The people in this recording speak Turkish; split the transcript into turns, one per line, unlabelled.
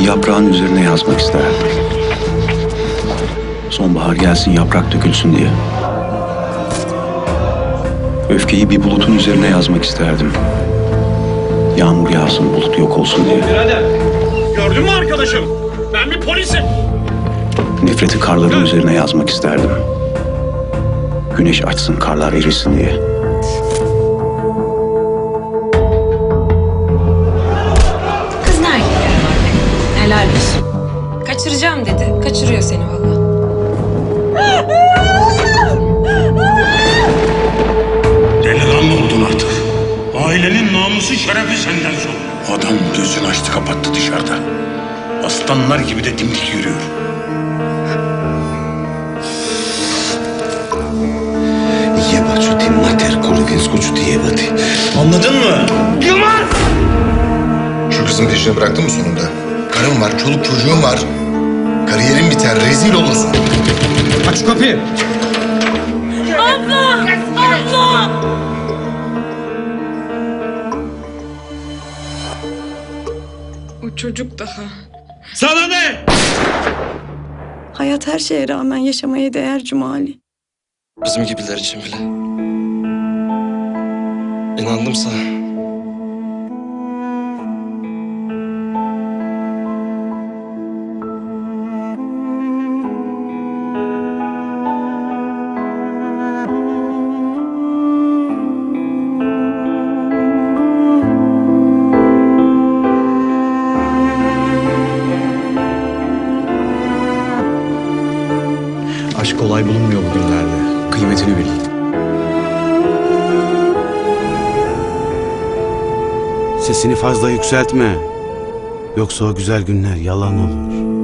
yaprağın üzerine yazmak isterdim. Sonbahar gelsin, yaprak dökülsün diye. Öfkeyi bir bulutun üzerine yazmak isterdim. Yağmur yağsın, bulut yok olsun diye.
Birader, gördün mü arkadaşım? Ben bir polisim.
Nefreti karların üzerine yazmak isterdim. Güneş açsın, karlar erisin diye.
Kız nerede yani anne? Helal olsun. Kaçıracağım dedi. Kaçırıyor seni vallahi.
Delikanlı oldun artık. Ailenin namusu şerefi senden sonra. Adam gözünü açtı kapattı dışarıda. Aslanlar gibi de dimdik yürüyor.
Jebać ti mater kurvinsku ću ti jebati. Anladın mı?
Yılmaz!
Şu kızın peşini bıraktın mı sonunda? Karım var, çoluk çocuğum var. Kariyerin biter, rezil olursun.
Aç şu kapıyı.
O çocuk daha.
Sana ne?
Hayat her şeye rağmen yaşamaya değer Cumali.
Bizim gibiler için bile. İnandım sana.
Aşk kolay bulunmuyor bugünlerde.
Kıymetini bil.
Sesini fazla yükseltme. Yoksa o güzel günler yalan olur.